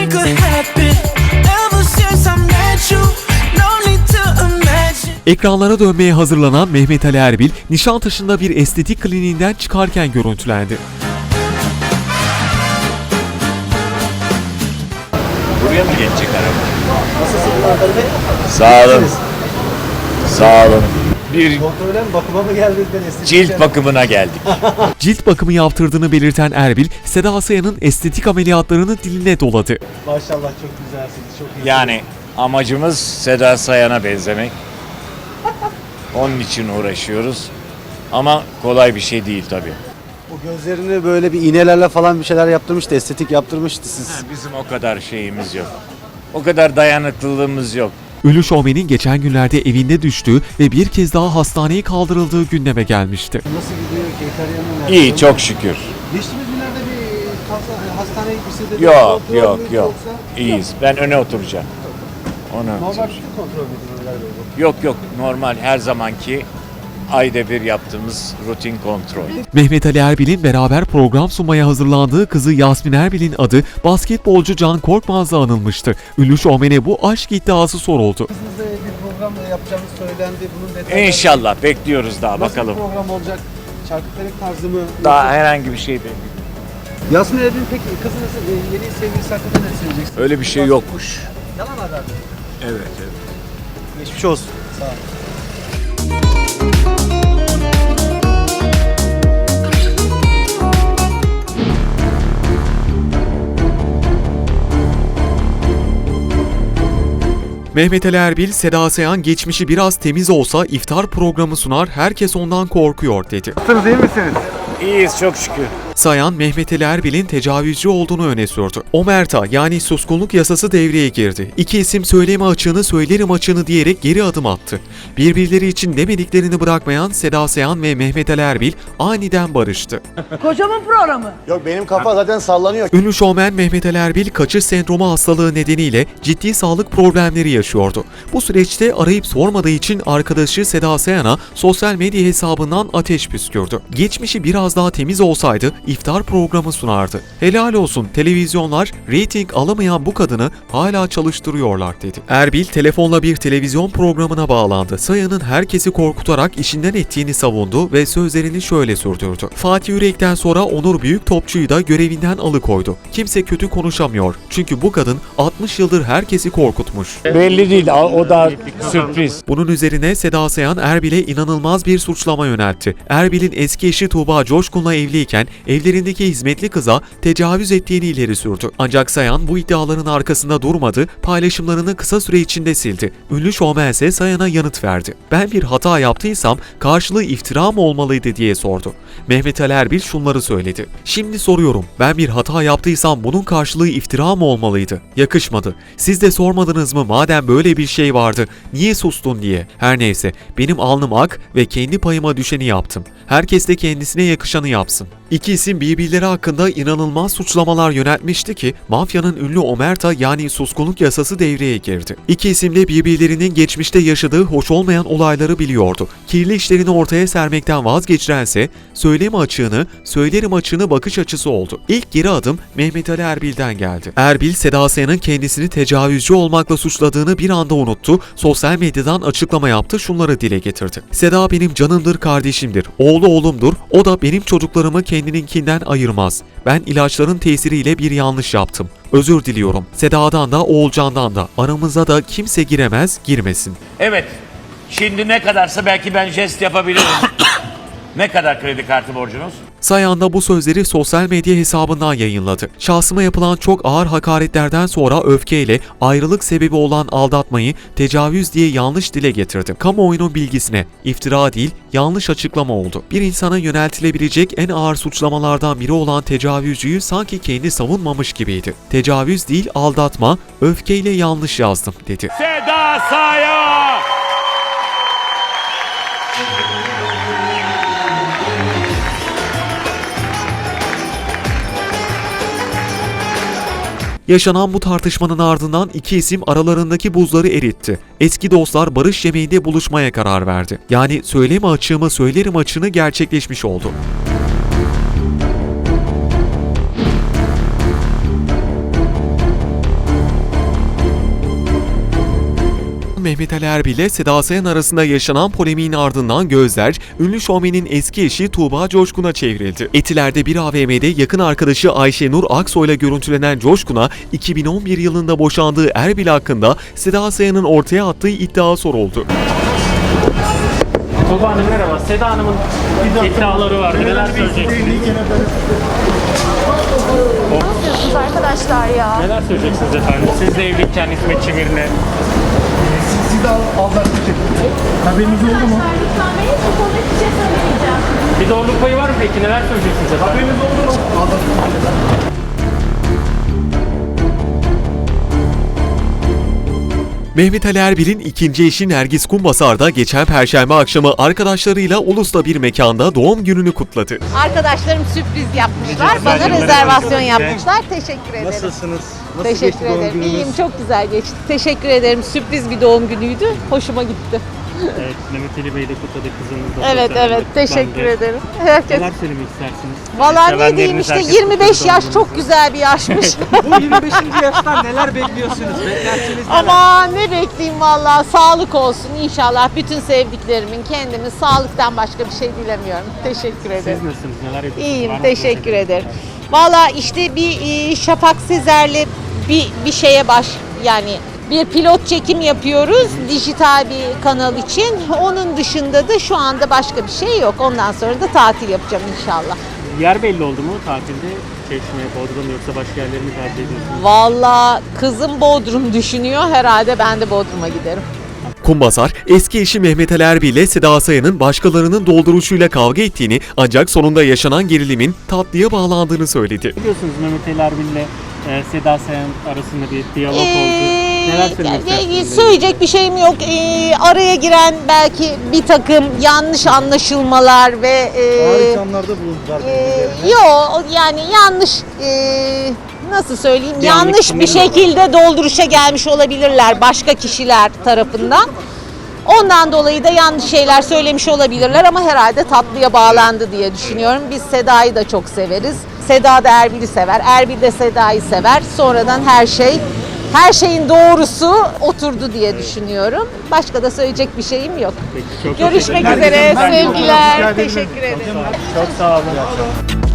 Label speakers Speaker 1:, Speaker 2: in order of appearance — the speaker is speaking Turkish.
Speaker 1: anything could happen. Ever since I met you, no need to imagine.
Speaker 2: Ekranlara dönmeye hazırlanan Mehmet Ali Erbil, Nişantaşı'nda bir estetik kliniğinden çıkarken görüntülendi.
Speaker 3: Buraya mı geçecek araba?
Speaker 4: Nasılsınız Adar Bey?
Speaker 3: Sağ olun. Sağ olun. Bir
Speaker 4: Kontrole mi, bakıma mı geldiniz?
Speaker 3: cilt bakımına geldik.
Speaker 2: Cilt bakımı yaptırdığını belirten Erbil, Seda Sayan'ın estetik ameliyatlarını diline doladı.
Speaker 4: Maşallah çok güzelsiniz, çok iyisiniz.
Speaker 3: Yani amacımız Seda Sayan'a benzemek. Onun için uğraşıyoruz. Ama kolay bir şey değil tabii.
Speaker 4: O gözlerini böyle bir iğnelerle falan bir şeyler yaptırmıştı, estetik yaptırmıştı siz.
Speaker 3: Bizim o kadar şeyimiz yok. O kadar dayanıklılığımız yok.
Speaker 2: Ünlü şovmenin geçen günlerde evinde düştüğü ve bir kez daha hastaneye kaldırıldığı gündeme gelmişti.
Speaker 4: Nasıl gidiyor Keytaryan'ın?
Speaker 3: İyi, çok şükür.
Speaker 4: Geçtiğimiz günlerde bir hastaneye gitmişsiniz.
Speaker 3: Yok. İyiyiz. Ben öne oturacağım.
Speaker 4: Normal bir kontrol müydü Önder Bey?
Speaker 3: Yok. Normal her zamanki ayda bir yaptığımız rutin kontrol.
Speaker 2: Mehmet Ali Erbil'in beraber program sunmaya hazırlandığı kızı Yasmin Erbil'in adı basketbolcu Can Korkmaz'la anılmıştı. Ünlü şovmene bu aşk iddiası soruldu.
Speaker 4: Kızınızla bir program yapacağınız söylendi. Bunun detayları...
Speaker 3: İnşallah bekliyoruz daha
Speaker 4: Nasıl
Speaker 3: bakalım.
Speaker 4: bir program olacak? Çarkıfelek tarzı mı?
Speaker 3: Daha herhangi bir şey değil.
Speaker 4: Yasmin Erbil'in peki kızınızın yeni sevgilisi hakkında ne söyleyeceksiniz?
Speaker 3: Öyle bir şey yokmuş.
Speaker 4: Yalan haber mi?
Speaker 3: Evet.
Speaker 4: Geçmiş olsun. Sağ olun.
Speaker 2: Mehmet Ali Erbil, Seda Sayan geçmişi biraz temiz olsa iftar programı sunar, herkes ondan korkuyor dedi.
Speaker 4: Nasılsınız, iyi misiniz?
Speaker 3: İyiyiz çok şükür.
Speaker 2: Sayan, Mehmet Ali Erbil'in tecavüzcü olduğunu öne sürdü. Omerta yani suskunluk yasası devreye girdi. İki isim söyleme açığını söylerim açığını diyerek geri adım attı. Birbirleri için demediklerini bırakmayan Seda Sayan ve Mehmet Ali Erbil aniden barıştı.
Speaker 5: Kocamın programı.
Speaker 4: Yok, benim kafa zaten sallanıyor.
Speaker 2: Ünlü şovmen Mehmet Ali Erbil kaçış sendromu hastalığı nedeniyle ciddi sağlık problemleri yaşıyordu. Bu süreçte arayıp sormadığı için arkadaşı Seda Sayan'a sosyal medya hesabından ateş püskürdü. Geçmişi biraz daha temiz olsaydı iftar programı sunardı. Helal olsun, televizyonlar reyting alamayan bu kadını hala çalıştırıyorlar dedi. Erbil telefonla bir televizyon programına bağlandı. Sayan'ın herkesi korkutarak işinden ettiğini savundu ve sözlerini şöyle sürdürdü. Fatih Yürek'ten sonra Onur Büyüktopçu'yu da görevinden alıkoydu. Kimse kötü konuşamıyor. Çünkü bu kadın 60 yıldır herkesi korkutmuş.
Speaker 3: Belli değil, o da sürpriz.
Speaker 2: Bunun üzerine Seda Sayan Erbil'e inanılmaz bir suçlama yöneltti. Erbil'in eski eşi Tuğba Coşkun'la evliyken evlerindeki hizmetli kıza tecavüz ettiğini ileri sürdü. Ancak Sayan bu iddiaların arkasında durmadı, paylaşımlarını kısa süre içinde sildi. Ünlü şovmen ise Sayan'a yanıt verdi. Ben bir hata yaptıysam karşılığı iftira mı olmalıydı diye sordu. Mehmet Ali Erbil şunları söyledi. Şimdi soruyorum, ben bir hata yaptıysam bunun karşılığı iftira mı olmalıydı? Yakışmadı. Siz de sormadınız mı madem böyle bir şey vardı, niye sustun diye. Her neyse, benim alnım ak ve kendi payıma düşeni yaptım. Herkes de kendisine yakışanı yapsın. İki isim birbirleri hakkında inanılmaz suçlamalar yöneltmişti ki mafyanın ünlü omerta yani suskunluk yasası devreye girdi. İki isim de birbirlerinin geçmişte yaşadığı hoş olmayan olayları biliyordu. Kirli işlerini ortaya sermekten vazgeçirense söyleme açığını, söylerim açığını bakış açısı oldu. İlk geri adım Mehmet Ali Erbil'den geldi. Erbil, Seda Sayan'ın kendisini tecavüzcü olmakla suçladığını bir anda unuttu, sosyal medyadan açıklama yaptı, şunları dile getirdi. Seda benim canımdır, kardeşimdir, oğlu oğlumdur, o da benim çocuklarımı kendininkinden ayırmaz. Ben ilaçların tesiriyle bir yanlış yaptım. Özür diliyorum. Seda'dan da Oğulcan'dan da. Aramıza da kimse giremez, girmesin.
Speaker 6: Evet. Şimdi ne kadarsa belki ben jest yapabilirim. Ne kadar kredi kartı borcunuz?
Speaker 2: Sayan da bu sözleri sosyal medya hesabından yayınladı. Şahsıma yapılan çok ağır hakaretlerden sonra öfkeyle ayrılık sebebi olan aldatmayı tecavüz diye yanlış dile getirdi. Kamuoyunun bilgisine iftira değil, yanlış açıklama oldu. Bir insana yöneltilebilecek en ağır suçlamalardan biri olan tecavüzcüyü sanki kendi savunmamış gibiydi. Tecavüz değil, aldatma, öfkeyle yanlış yazdım dedi.
Speaker 6: Seda Sayan!
Speaker 2: Yaşanan bu tartışmanın ardından iki isim aralarındaki buzları eritti. Eski dostlar barış yemeğinde buluşmaya karar verdi. Yani söyleme açığımı söylerim açığını gerçekleşmiş oldu. Mehmet Ali Erbil ile Seda Sayan arasında yaşanan polemiğin ardından gözler, ünlü şovmenin eski eşi Tuğba Coşkun'a çevrildi. Etiler'de bir AVM'de yakın arkadaşı Ayşenur Aksoy'la görüntülenen Coşkun'a 2011 yılında boşandığı Erbil hakkında Seda Sayan'ın ortaya attığı iddia soruldu.
Speaker 5: Tuğba Hanım merhaba. Seda Hanım'ın iddiaları var. Neler söyleyeceksiniz?
Speaker 7: Ne yapıyorsunuz arkadaşlar ya?
Speaker 5: Neler söyleyeceksiniz efendim? Siz de evliyken hizmetçi birine.
Speaker 7: Haberiniz oldu mu? Lütfen benim bu konuda hiçbir şey söylemeyeceğim.
Speaker 5: Bir doğruluk payı var mı peki? Neler söyleyeceksiniz efendim? Haberiniz oldu mu?
Speaker 2: Mehmet Ali Erbil'in ikinci eşi Nergis Kumbasar da geçen Perşembe akşamı arkadaşlarıyla Ulus'ta bir mekanda doğum gününü kutladı.
Speaker 8: Arkadaşlarım sürpriz yapmışlar. Bana rezervasyon yapmışlar. Teşekkür ederim.
Speaker 4: Nasılsınız? Nasıl
Speaker 8: Teşekkür
Speaker 4: geçti doğum
Speaker 8: ederim.
Speaker 4: gününüz?
Speaker 8: İyiyim, çok güzel geçti. Teşekkür ederim. Sürpriz bir doğum günüydü. Hoşuma gitti.
Speaker 5: Evet, Mehmet Ali Bey de kutladı kızınız da.
Speaker 8: Evet,
Speaker 5: sosyal
Speaker 8: evet.
Speaker 5: medyada
Speaker 8: Teşekkür
Speaker 5: kutlandı.
Speaker 8: ederim. Herkes.
Speaker 5: Neler söylemek istersiniz?
Speaker 8: Vallahi ne
Speaker 5: Sevenleriniz,
Speaker 8: diyeyim işte
Speaker 5: herkes
Speaker 8: 25
Speaker 5: kutladı
Speaker 8: yaş
Speaker 5: doğum
Speaker 8: çok güzel bir yaşmış.
Speaker 4: Bu 25. yaştan neler bekliyorsunuz? Beklentiniz neler?
Speaker 8: Ama ne bekleyeyim vallahi, sağlık olsun inşallah. Bütün sevdiklerimin, kendimin sağlıktan başka bir şey dilemiyorum. Teşekkür ederim.
Speaker 5: Siz nasılsınız? Neler yapıyorsunuz?
Speaker 8: İyiyim,
Speaker 5: Var mı
Speaker 8: teşekkür
Speaker 5: projeleriniz?
Speaker 8: ederim. Valla işte bir Şafak Sezer'le bir şeye yani bir pilot çekim yapıyoruz dijital bir kanal için. Onun dışında da şu anda başka bir şey yok. Ondan sonra da tatil yapacağım inşallah.
Speaker 5: Yer belli oldu mu tatilde? Çeşme, Bodrum yoksa başka yerleri mi tercih ediyorsunuz?
Speaker 8: Valla kızım Bodrum düşünüyor. Herhalde ben de Bodrum'a giderim.
Speaker 2: Kumbasar, eski eşi Mehmet Ali Erbil ile Seda Sayan'ın başkalarının dolduruşuyla kavga ettiğini ancak sonunda yaşanan gerilimin tatlıya bağlandığını söyledi.
Speaker 5: Biliyorsunuz Mehmet Ali Erbil ile Seda Sayan arasında bir diyalog oldu. Neler söylemek istersiniz?
Speaker 8: Söyleyecek bir şeyim yok. Araya giren belki bir takım yanlış anlaşılmalar ve
Speaker 4: Harika bulundular birbirlerine.
Speaker 8: yok yani yanlış nasıl söyleyeyim,
Speaker 5: Bir
Speaker 8: yanlış
Speaker 5: anlaşılma
Speaker 8: bir şekilde dolduruşa gelmiş olabilirler başka kişiler tarafından. Ondan dolayı da yanlış şeyler söylemiş olabilirler ama herhalde tatlıya bağlandı diye düşünüyorum. Biz Seda'yı da çok severiz. Seda da Erbil'i sever. Erbil de Seda'yı sever. Sonradan her şeyin doğrusu oturdu diye düşünüyorum. Başka da söyleyecek bir şeyim yok.
Speaker 5: Peki, çok
Speaker 8: Görüşmek
Speaker 5: teşekkürler.
Speaker 8: üzere.
Speaker 4: Ben-
Speaker 8: Sevgiler. Teşekkür ederim.
Speaker 5: Çok sağ olun.